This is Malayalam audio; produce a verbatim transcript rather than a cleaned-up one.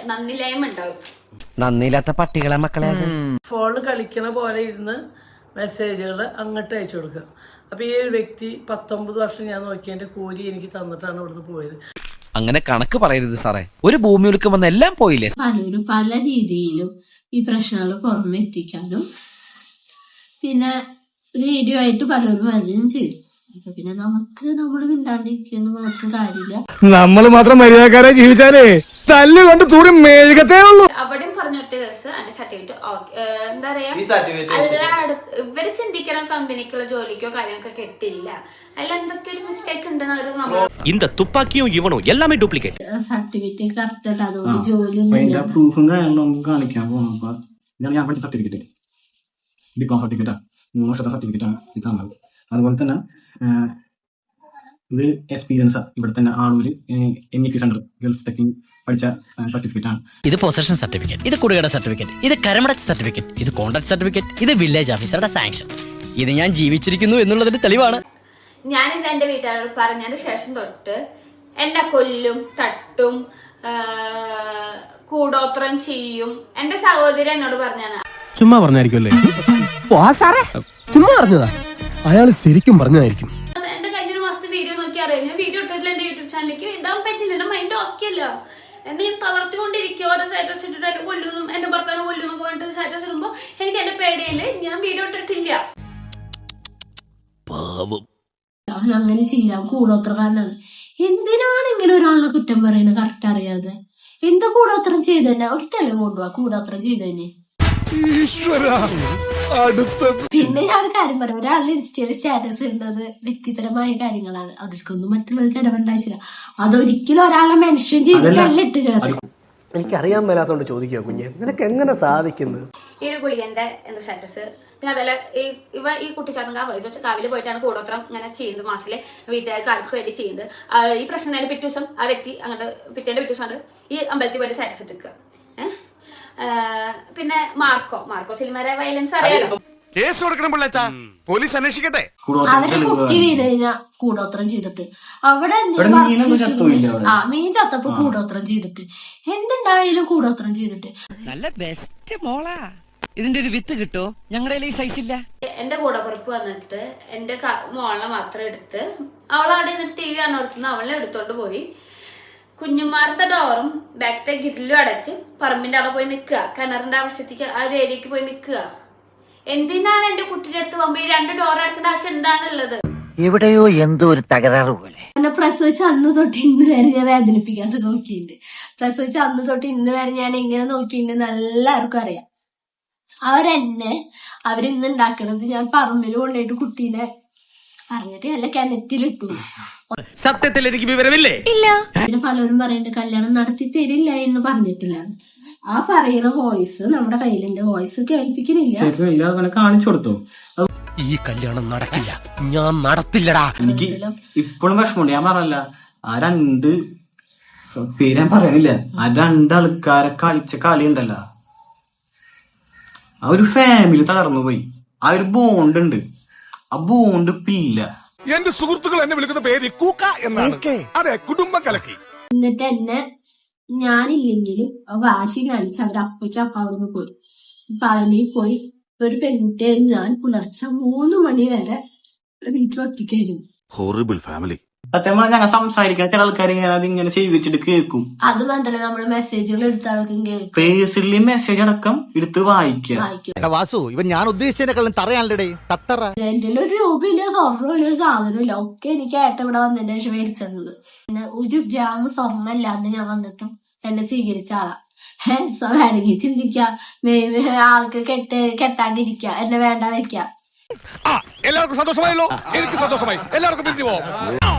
നന്ദില്ലായ്മ ഉണ്ടാവും. നന്ദിയില്ലാത്ത പട്ടികളെ മക്കളെ. ഫോണിൽ കളിക്കണ പോലെ ഇരുന്ന് മെസ്സേജുകൾ അങ്ങോട്ട് അയച്ചു കൊടുക്കുക. അപ്പൊ ഈ ഒരു വ്യക്തി പത്തൊമ്പത് വർഷം ഞാൻ നോക്കിയതിന്റെ കൂലി എനിക്ക് തന്നിട്ടാണ് ഇവിടുന്ന് പോയത്. അങ്ങനെ കണക്ക് പറയരുത് സാറേ. ഒരു ഭൂമി ഉൽക്കം വന്ന എല്ലാം പോയില്ലേ? പലരും പല രീതിയിലും ഈ പ്രശ്നങ്ങൾ പുറമെ എത്തിക്കാനും പിന്നെ വീഡിയോ ആയിട്ട് പലരും വരികയും ചെയ്തു. അപ്പൊ പിന്നെ നമുക്ക് നമ്മൾ മിണ്ടാണ്ടിരിക്കുന്ന മാത്രം കാര്യമില്ല. നമ്മൾ മാത്രം മര്യാദക്കാരെ ജീവിച്ചാലേ തല്ലുകൊണ്ട് തൂറി മേഴുകത്തേ ഉള്ളൂ. അവിടെയും പറഞ്ഞൊറ്റ കേസ് അതിന്റെ സർട്ടിഫിക്കറ്റ് എന്താ പറയാ, എല്ലായിടത്തും ഇവര് ചിന്തിക്കുന്ന കമ്പനിക്കുള്ള ജോലിക്കോ കാര്യങ്ങൾക്കോ കിട്ടില്ല. അതിൽ എന്തൊക്കെ ഒരു മിസ്റ്റേക്ക് ഉണ്ടെന്ന് இந்த துப்பாக்கியும் இவனும் எல்லாமே டூப்ளிகேட். സർട്ടിഫിക്കറ്റ് കറക്റ്റ് അല്ല, അതുകൊണ്ട് ജോലിയൊന്നും പ്രൂഫും കാര്യങ്ങളും നമുക്ക് കാണിക്കാൻ പോകുമ്പോ ഇതാണ് ഞാൻ പഠിച്ച സർട്ടിഫിക്കറ്റ്. ഡിപ്ലോമ സർട്ടിഫിക്കറ്റാ, മൂന്ന് വർഷത്തെ സർട്ടിഫിക്കറ്റ് ആണ് ഇത് തന്നത്. അതുപോലെ തന്നെ ഇത് എക്സ്പീരിയൻസാ. ഇവിടെ തന്നെ Aloor M E P centre gulf ടെക്കിംഗ് പഠിച്ച സർട്ടിഫിക്കറ്റ് ആണ്. ഇത് പൊസഷൻ സർട്ടിഫിക്കറ്റ്, ഇത് കുടികട സർട്ടിഫിക്കറ്റ്, ഇത് കരമടച്ച് സർട്ടിഫിക്കറ്റ്, ഇത് കോൺട്രാക്ട് സർട്ടിഫിക്കറ്റ്, ഇത് വില്ലേജ് ഓഫീസറുടെ സാങ്ഷൻ. ഇത് ഞാൻ ജീവിച്ചിരിക്കുന്നു എന്നുള്ളതിന്റെ തെളിവാണ്. ഞാനിത് എന്റെ വീട്ടുകാരോട് പറഞ്ഞതിന് ശേഷം തൊട്ട് എന്നെ കൊല്ലും, തട്ടും, കൂടോത്രം ചെയ്യും. എന്റെ സഹോദരി എന്നോട് പറഞ്ഞാണ്. ചുമ്മാ പറഞ്ഞായിരിക്കുമല്ലേ? ചുമ്മാ പറഞ്ഞതാ, അയാള് ശരിക്കും പറഞ്ഞതായിരിക്കും. എന്റെ കഴിഞ്ഞൊരു മാസത്തെ വീഡിയോ നോക്കി അറിയാം. ഞാൻ വീഡിയോ ഇട്ടിട്ടില്ല എന്റെ യൂട്യൂബ് ചാനലിലേക്ക് ഇടാൻ പറ്റില്ല. എന്റെ മൈൻഡ് ഓക്കെ അല്ല. എന്നെ ഞാൻ തളർത്തിക്കൊണ്ടിരിക്കുക. ഓരോ സ്റ്റാറ്റസ് ഇട്ടിട്ട് എന്നെ കൊല്ലുന്നു, എന്റെ ഭർത്താവിനെ കൊല്ലുന്നു പറഞ്ഞിട്ട് സ്റ്റാറ്റസ് ഇടുമ്പോ എനിക്ക് എന്റെ പേടിയില് ഞാൻ വീഡിയോ ഇട്ടിട്ടില്ല. അവൻ അങ്ങനെ ചെയ്യാം, കൂടോത്രക്കാരനാണ്. എന്തിനാണ് ഇങ്ങനെ ഒരാളിനെ കുറ്റം പറയുന്നത് കറക്റ്റ് അറിയാതെ? എന്താ കൂടോത്രം ചെയ്തന്നെ? ഒരു തെളിവ് കൊണ്ടുപോവാ കൂടോത്രം ചെയ്തന്നെ. പിന്നെ ഞാൻ ഒരു കാര്യം പറയാം, ഒരാളുടെ ഇൻസ്റ്റയിൽ സ്റ്റാറ്റസ് ഇടുന്നത് വ്യക്തിപരമായ കാര്യങ്ങളാണ്. അതൊരിക്കൊന്നും മറ്റുള്ളവർക്ക് ഇടപെടാശില്ല. അതൊരിക്കലും ഒരാളെ മെൻഷൻ ചെയ്തിട്ടല്ല ഇട്ടിരുന്നത്. എനിക്കറിയാൻ മേലാത്തോണ്ട് ചോദിക്കുക കുഞ്ഞെ, നിനക്ക് എങ്ങനെ സാധിക്കുന്നത്? ഈ ഒരു ഗുളികന്റെ എന്താ സ്റ്റാറ്റസ്. പിന്നെ അതുപോലെ ഈ ഇവ ഈ കുട്ടിച്ചാട്ടം കാവ് ഇത് വെച്ചാൽ കാവിൽ പോയിട്ടാണ് കൂടോത്രം ഇങ്ങനെ ചെയ്യുന്നത്. മാസത്തിലെ വീട്ടുകാർക്ക് ആൾക്ക് വേണ്ടി ചെയ്യുന്നത്. ഈ പ്രശ്നം പിറ്റേ ദിവസം ആ വ്യക്തി അങ്ങോട്ട് പിറ്റേന്റെ പിറ്റേ ദിവസമാണ് ഈ അമ്പലത്തിൽ പോയിട്ട് സ്റ്റാറ്റസ് ഇട്ടിക്കുക. ഏഹ് പിന്നെ മാർക്കോ മാർക്കോ സിനിമയുടെ വയലൻസ് അറിയാലോ. കേസ് കൊടുക്കണം പിള്ളേച്ചാ, പോലീസ് അന്വേഷിക്കട്ടെ. അവര് കുട്ടി വീണ് കഴിഞ്ഞാ കൂടോത്രം ചെയ്തിട്ട് അവിടെ ആ മീൻ ചത്തപ്പോ കൂടോത്രം ചെയ്തിട്ട് എന്തുണ്ടായാലും കൂടോത്രം ചെയ്തിട്ട് നല്ല ബെസ്റ്റ് മോളാ. ഇതിന്റെ ഒരു വിത്ത് കിട്ടോ? ഞങ്ങളുടെ ഈ സൈസ് ഇല്ല. എന്റെ കൂടപ്പുറപ്പ് വന്നിട്ട് എന്റെ മോളെ മാത്രം എടുത്ത് അവളവിടെ നിന്നിട്ട് ടി വി കാണുന്ന അവളെ എടുത്തോണ്ട് പോയി കുഞ്ഞുമാർത്തെ ഡോറും ബാക്കത്തെ ഗിരിലും അടച്ച് പറമ്പിന്റെ അവിടെ പോയി നിൽക്കുക. കിണറിന്റെ ആവശ്യത്തേക്ക് ആ ഒരു ഏരിയക്ക് പോയി നിൽക്കുക. എന്തിനാണ് എന്റെ കുട്ടിയുടെ അടുത്ത് പോകുമ്പോ ഈ രണ്ട് ഡോർ അടക്കേണ്ട ആവശ്യം എന്താണുള്ളത്? എവിടെയോ എന്തോ ഒരു തകരാറ് പോലെ. എന്നെ പ്രസവിച്ച അന്ന് തൊട്ട് ഇന്ന് വരെ ഞാൻ വേദനിപ്പിക്കാതെ നോക്കിയിട്ടുണ്ട്. പ്രസവിച്ച അന്ന് തൊട്ട് ഇന്ന് വരെ ഞാൻ എങ്ങനെ നോക്കിയിട്ടുണ്ട് എല്ലാവർക്കും അറിയാം. അവരെന്നെ അവരിന്ന് ഉണ്ടാക്കണത് ഞാൻ പറമ്പിൽ കൊണ്ടുപോയിട്ട് കുട്ടീനെ പറഞ്ഞിട്ട് അല്ല കിണറ്റിലിട്ടു. സത്യത്തിൽ എനിക്ക് വിവരമില്ലേ? ഇല്ല. പിന്നെ പലരും പറയണ്ട് കല്യാണം നടത്തി തരില്ല എന്ന് പറഞ്ഞിട്ടില്ല. ആ പറയുന്ന വോയിസ് നമ്മുടെ കയ്യിലുണ്ട്. വോയിസ് കേൾപ്പിക്കുന്നില്ല, കാണിച്ചു കൊടുത്തു. ഈ കല്യാണം നടക്കില്ല, ഞാൻ നടത്തില്ലടാ. എനിക്ക് ഇപ്പോഴും വിഷമമുണ്ട്. ഞാൻ പറഞ്ഞല്ല, ആ രണ്ട് പേര് ഞാൻ പറയണില്ല, ആ രണ്ടാൾക്കാരെ കളിച്ച കളി ഉണ്ടല്ലോ, ആ ഒരു ഫാമിലി തകർന്നു പോയി. ആ ഒരു ബോണ്ട് ഉണ്ട്, ആ ബോണ്ട് ഇപ്പില്ല. എന്റെ സുഹൃത്തുക്കൾ എന്നെ വിളിക്കുന്ന പേര് കൂക്ക എന്നാണ്. അതെ, കുടുംബം കലക്കി. എന്നിട്ട് എന്നെ ഞാനില്ലെങ്കിലും വാശി കാണിച്ച് അവർ അപ്പയ്ക്ക് അപ്പ അവിടുന്ന് പോയി പളനിയിൽ പോയി. ഒരു പെൺകുട്ടിയെ ഞാൻ പുലർച്ചെ മൂന്ന് മണി വരെ വീട്ടിലൊറ്റയ്ക്കായിരുന്നു. Horrible family. സത്യം പറഞ്ഞാൽ ഞങ്ങൾ സംസാരിക്കാൻ ചില ആൾക്കാർ അതിങ്ങനെ ചെയ്യിച്ചിട്ട് കേൾക്കും. അത് മാത്രമല്ല നമ്മള് മെസ്സേജുകൾ എടുത്താലും കേൾക്കും. പേഴ്സണലി മെസ്സേജ് അടക്കം എടുത്ത് വായിക്കാം. വാസു, ഇവൻ ഞാൻ ഉദ്ദേശിച്ചതിനെക്കാളും തറയാണല്ലേ തത്തറ. എന്റെ ഒരു രൂപയില്ല, സ്വർണ്ണമില്ല, സാധനമില്ല. ഒക്കെ എനിക്ക് ഏട്ടൻ ഇവിടെ വന്നതിന് ശേഷം മേടിച്ചത്. പിന്നെ ഒരു ഗ്രാം സ്വർണ്ണം ഇല്ലാണ്ട് ഞാൻ വന്നിട്ടും എന്നെ സ്വീകരിച്ച ആളാ. സോ വേണമെങ്കിൽ ചിന്തിക്കാം, ആൾക്ക് കെട്ട് കെട്ടാണ്ടിരിക്ക, എന്നെ വേണ്ട വെക്കാം. എല്ലാവർക്കും സന്തോഷമായല്ലോ? എനിക്ക് സന്തോഷമായി. എല്ലാവർക്കും പിരിഞ്ഞു പോവാം.